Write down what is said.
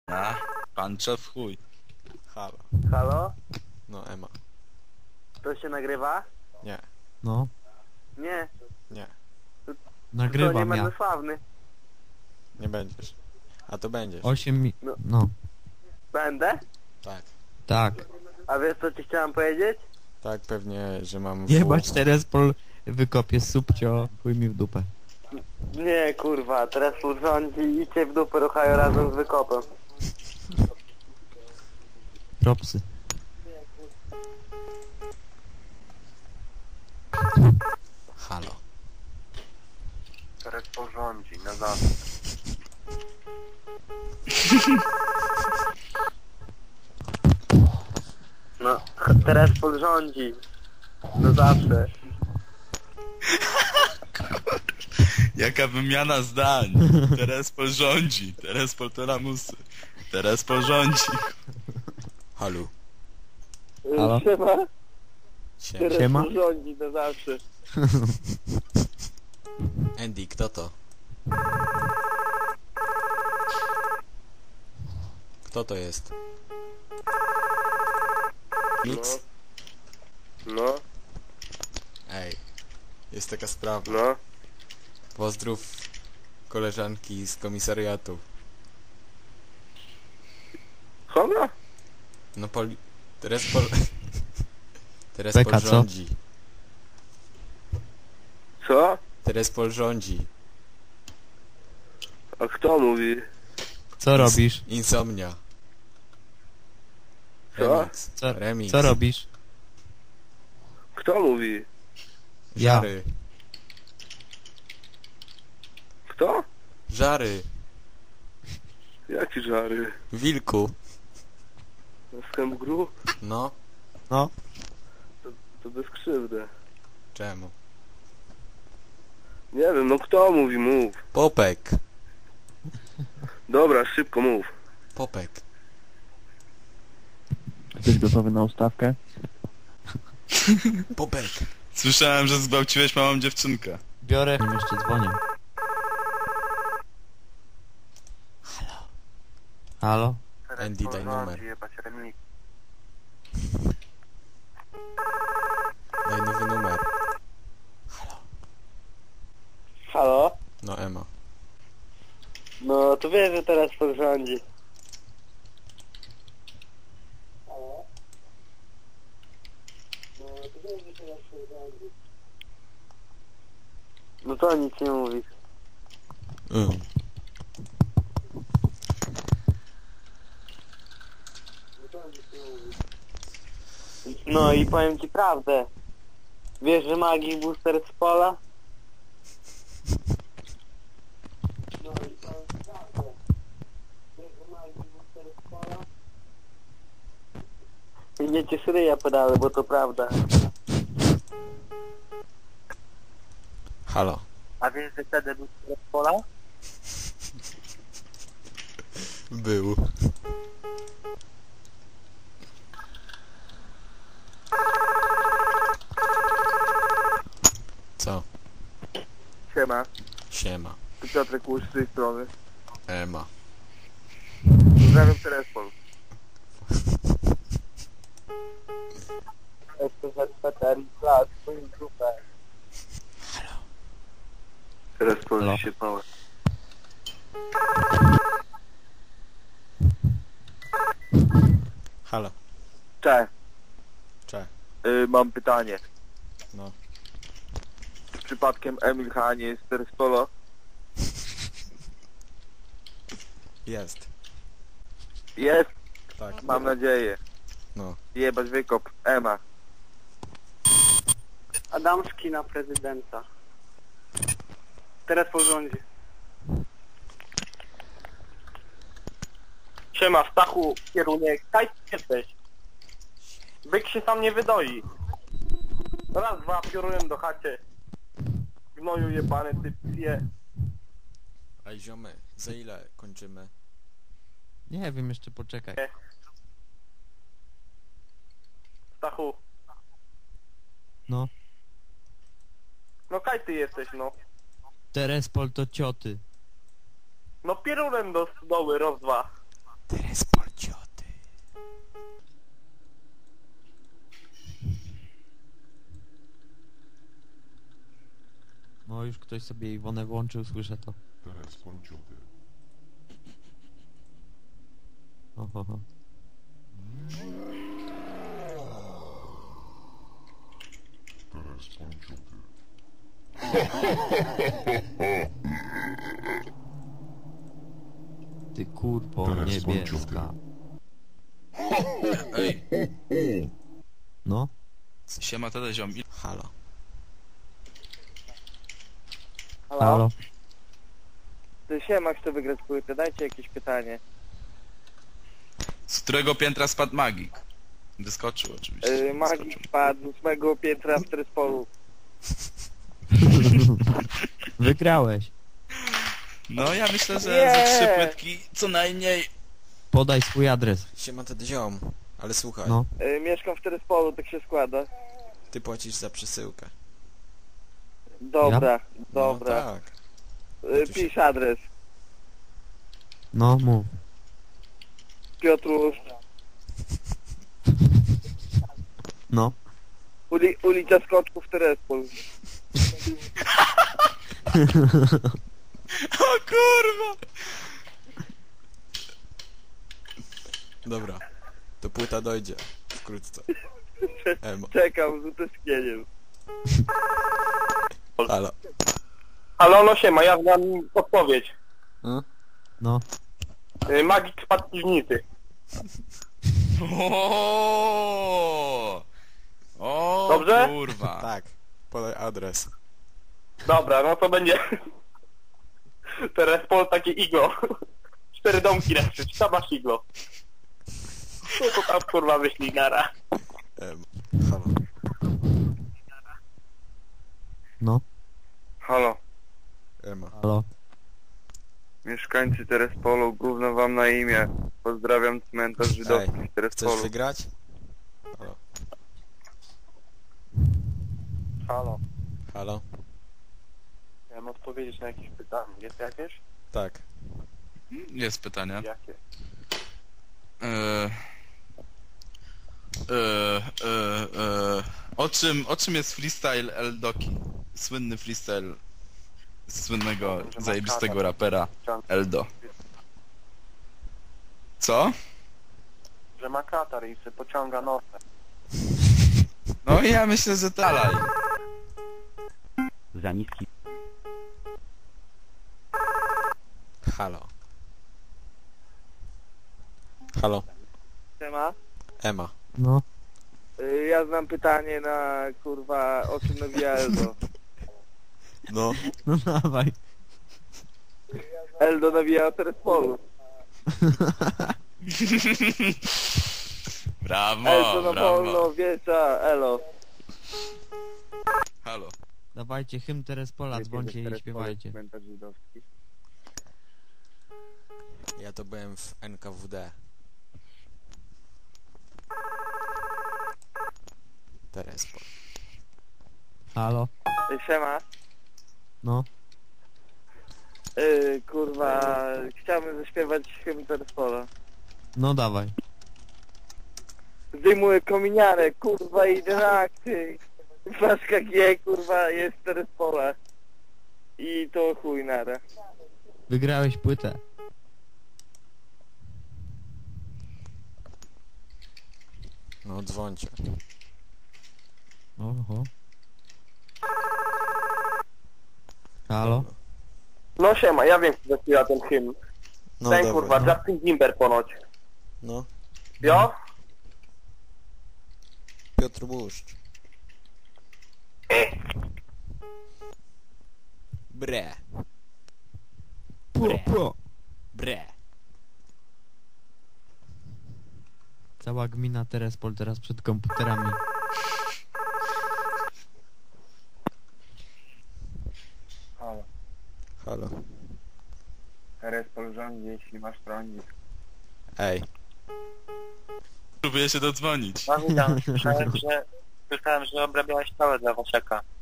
A, panczo w chuj. Halo. Halo? No, Ema. To się nagrywa? Nie, No, Nie. nie. To nie nagrywam ja. będę sławny. Nie będziesz. A to będziesz. 8 mi... No. No, Będę? Tak. tak. A wiesz co ci chciałem powiedzieć? Tak, pewnie, że mam... Jebać teraz pol wykopie subcio, chuj mi w dupę. Nie kurwa, teraz rządzi i cię w dupę ruchają razem z wykopem. Propsy. Halo. Teraz porządzi, na zawsze. No, teraz porządzi. Na zawsze. Jaka wymiana zdań. Teraz porządzi. Teraz poltoramusy. Teraz porządzi. Halo. Halo? Siema? Siema. Teraz Siema? porządzi na zawsze. Andy, kto to? Kto to jest? Mix? No, Ej. Jest taka sprawa. no. Pozdrów koleżanki z komisariatu. Kogo? No Teraz pol... Teraz Beka, co? rządzi. Co? Teraz rządzi. A kto mówi? Co robisz? Insomnia. Co? Remix. Co, Remix. co robisz? Kto mówi? Ja. Żary. Kto? Żary. Jaki żary? Wilku. Skąd gru? No. No, To bez krzywdy. Czemu? Nie wiem, no kto mówi? Mów. Popek. Dobra, szybko mów. Popek. jesteś gotowy na ustawkę? Popek. Słyszałem, że zgwałciłeś małą dziewczynkę. Biorę, nim jeszcze dzwonię. Halo? Andy, daj numer. Daj nowy numer. Halo? No, Ema. No, to wiesz, że teraz porządzi. No to nic nie mówi. No i powiem ci prawdę. Wiesz, że Magik Booster z pola? No i powiem ci prawdę. Wiesz, że Magik Booster z pola? I nie cię szryja podały, bo to prawda. Halo. A wiesz, że wtedy Booster z pola? Był. Co? Siema. Siema. To Piotrek Łusz z tej strony. Ema. Pozdrawiam telefon. SPZ Klas, swoim grupę. Teraz Halo. powiem się małe. Halo. Cześć, Cze. mam pytanie. No. Czy przypadkiem Emil H. nie jest teraz polo? Jest. Jest, Tak. mam nadzieję. No. Jebać wykop, Ema. Adamski na prezydenta. Teraz porządzi. Siema, Stachu, kierunek. Kaj jesteś? Byk się sam nie wydoi. Raz, dwa, piorunem do chacie. Gnoju jebany, ty psie. Ej, ziomy, za ile kończymy? Nie wiem, jeszcze poczekaj. Stachu. No. No kaj ty jesteś, no. Terespol to cioty. No pierunem do stodoły, raz, dwa. ktoś sobie Iwonę włączył, słyszę to. Oho. Ty kurwo niebieska. Ej, No, siema tata ziom. Halo. halo. Ty siema, chcę wygrać płytę, dajcie jakieś pytanie. Z którego piętra spadł magik? Wyskoczył oczywiście. Magik spadł z 8 piętra w Tryspolu. Wygrałeś. No ja myślę, że Nie. ze 3 płytki co najmniej. Podaj swój adres. Siema tedy ziom. Ale słuchaj, No. Mieszkam w Tryspolu, tak się składa. ty płacisz za przesyłkę. Dobra, No dobra. tak. Pisz adres. No, mów. Piotrusz, No. ulica Skoczków, Tryspol. O kurwa! Dobra. To płyta dojdzie. Wkrótce. Emo. Czekam z utęsknieniem. Halo. Halo, no siema, ja znam odpowiedź. No. Magik spadł z piwnicy. O Dobrze? kurwa. Tak. Podaj adres. Dobra, no to będzie... Tryspol takie iglo. 4 domki na krzyż, tam masz iglo. No to tam kurwa wyślij nara. Emo. Halo. No. Halo, Emo. Halo. mieszkańcy Tryspolu, gówno wam na imię. Pozdrawiam cmentarz żydowski w Chcesz Tryspolu. wygrać? Halo. Halo, Halo. chciałem odpowiedzieć na jakieś pytanie. Jest jakieś? Tak. Jest pytanie. Jakie? O czym jest freestyle Eldoki? Słynny freestyle słynnego, zajebistego rapera Eldo. Co? Że ma katar i się pociąga nosem. No i ja myślę, że dalej. Za niski. Halo. Halo. Siema? Ema. No. Ja znam pytanie na kurwa o czym nawija Eldo. No. No dawaj. Eldo nawija o Tryspolu. Brawo, Eldo na brawo. wolno, wiecza, elo. Halo. Dawajcie hymn Terespola, dzwońcie i śpiewajcie. Cmentarz żydowski. Ja to byłem w NKWD. Terespol. Halo. Siema. No. Kurwa, chciałbym zaśpiewać hymn Tryspoda. No dawaj. Zdejmuję kominiarę, kurwa, idę na akty. Flaszka G, kurwa, jest Tryspoda. I to chuj nara. Wygrałeś płytę. No dzwońcie. Oho. Halo. No siema, ja wiem, kto zaśpiewa ten hymn. No Ten dobra. kurwa, no. Justin Timber ponoć. No. Jo? Piotr Błuszcz. Bre. Pro. Bre. Cała gmina Terespol teraz przed komputerami. Halo, Halo. Tryspol rządzi, jeśli masz trądzić. Ej. Próbuję się dodzwonić. No witam, słyszałem, że obrabiałeś całe dla Waszeka.